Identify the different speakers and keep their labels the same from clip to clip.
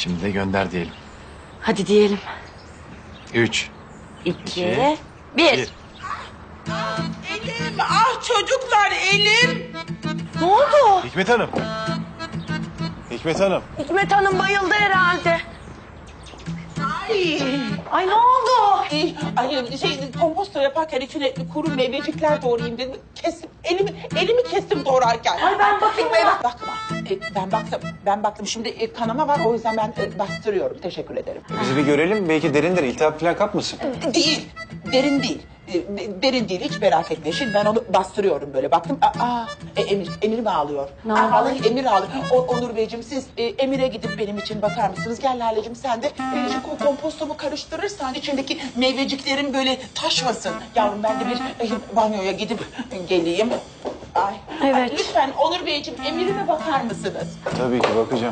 Speaker 1: Şimdi de gönder diyelim.
Speaker 2: Hadi diyelim.
Speaker 1: 3,
Speaker 2: 2, 1.
Speaker 1: Bir.
Speaker 3: Elim, ah çocuklar elim.
Speaker 2: Ne oldu?
Speaker 1: Hikmet Hanım. Hikmet Hanım.
Speaker 2: Hikmet Hanım bayıldı herhalde.
Speaker 3: Ay.
Speaker 2: Ay ne oldu?
Speaker 3: Ay komposto yaparken içine kuru meyvecikler doğrayayım dedim. Kestim, elimi kestim doğrarken.
Speaker 2: Ay ben bakayım ya.
Speaker 3: Bakma. Ben baktım. Şimdi kanama var o yüzden ben bastırıyorum. Teşekkür ederim.
Speaker 1: Bizi bir görelim. Belki derindir. İltihap falan kapmasın.
Speaker 3: Değil. Derin değil. Derin değil hiç merak etme. Şimdi ben onu bastırıyorum böyle. Baktım Emir mi ağlıyor? Vallahi Emir ağlıyor. Onur Beyciğim siz Emir'e gidip benim için bakar mısınız? Gel Lale'cim sen de şu kompostomu karıştırırsan içindeki meyveciklerin böyle taşmasın. Yavrum ben de bir banyoya gidip geleyim. Ay.
Speaker 2: Evet.
Speaker 3: Ay, lütfen Onur Beyciğim Emir'ime bakar mısınız?
Speaker 1: Tabii ki bakacağım.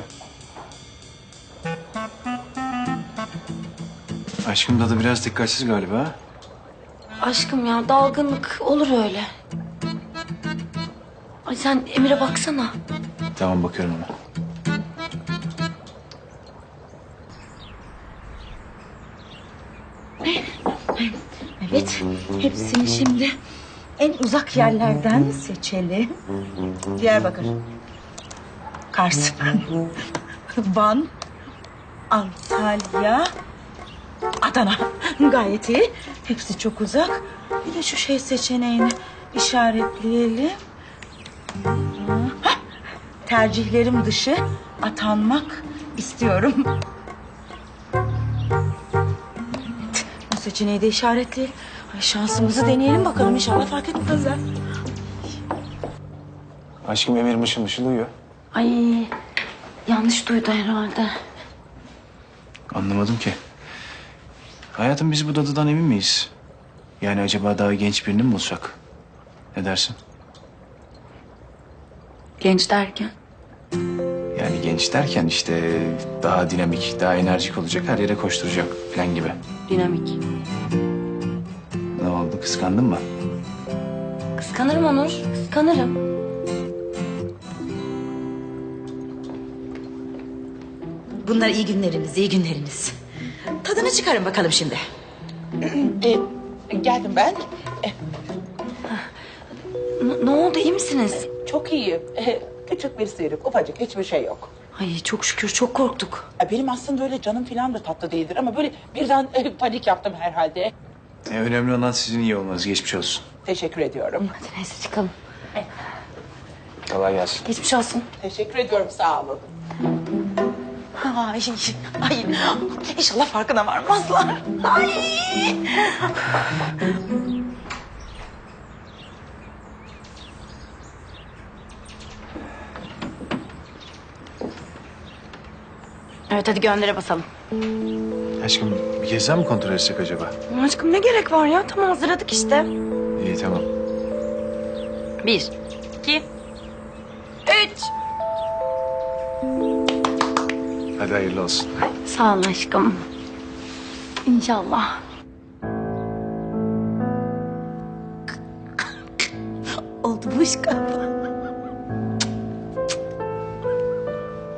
Speaker 1: Aşkım dadı biraz dikkatsiz galiba.
Speaker 2: Aşkım ya dalgınlık olur öyle. Ay sen Emir'e baksana.
Speaker 1: Tamam bakıyorum ona.
Speaker 4: Evet, hepsini şimdi en uzak yerlerden seçelim. Diyarbakır, Kars, Van, Antalya, Adana. Gayet iyi. Hepsi çok uzak. Bir de şu şey seçeneğini işaretleyelim. Hah, tercihlerim dışı atanmak istiyorum. Bu seçeneği de işaretleyelim. Ay şansımızı deneyelim bakalım inşallah fark etmezler.
Speaker 1: Aşkım Emir mışıl mışıl uyuyor.
Speaker 2: Ay yanlış duydu herhalde.
Speaker 1: Anlamadım ki. Hayatım biz bu dadıdan emin miyiz? Yani acaba daha genç birini mi bulsak? Ne dersin?
Speaker 2: Genç derken?
Speaker 1: Yani genç derken işte daha dinamik, daha enerjik olacak, her yere koşturacak falan gibi.
Speaker 2: Dinamik.
Speaker 1: Ne oldu, kıskandın mı?
Speaker 2: Kıskanırım Onur. Kıskanırım.
Speaker 4: Bunlar iyi günleriniz, iyi günleriniz. Tadını çıkarın bakalım şimdi.
Speaker 3: Geldim ben.
Speaker 2: Ne oldu iyi misiniz?
Speaker 3: Çok iyi. Küçük bir sıyrık, ufacık hiçbir şey yok.
Speaker 2: Ay çok şükür çok korktuk.
Speaker 3: Benim aslında öyle canım falan da tatlı değildir ama böyle birden panik yaptım herhalde.
Speaker 1: Önemli olan sizin iyi olmanız, geçmiş olsun.
Speaker 3: Teşekkür ediyorum.
Speaker 2: Hadi neyse çıkalım.
Speaker 1: Kolay gelsin.
Speaker 2: Geçmiş olsun.
Speaker 3: Teşekkür ediyorum, sağ olun.
Speaker 4: Ay, ay, inşallah farkına varmazlar. Ay.
Speaker 2: Evet hadi göndere basalım.
Speaker 1: Aşkım bir kez daha mı kontrol etsek acaba?
Speaker 2: Aşkım ne gerek var ya? Tamam hazırladık işte.
Speaker 1: İyi tamam.
Speaker 2: 1, 2, 3.
Speaker 1: Hadi hayırlı olsun.
Speaker 2: Sağ ol aşkım. İnşallah.
Speaker 4: Oldu bu iş galiba.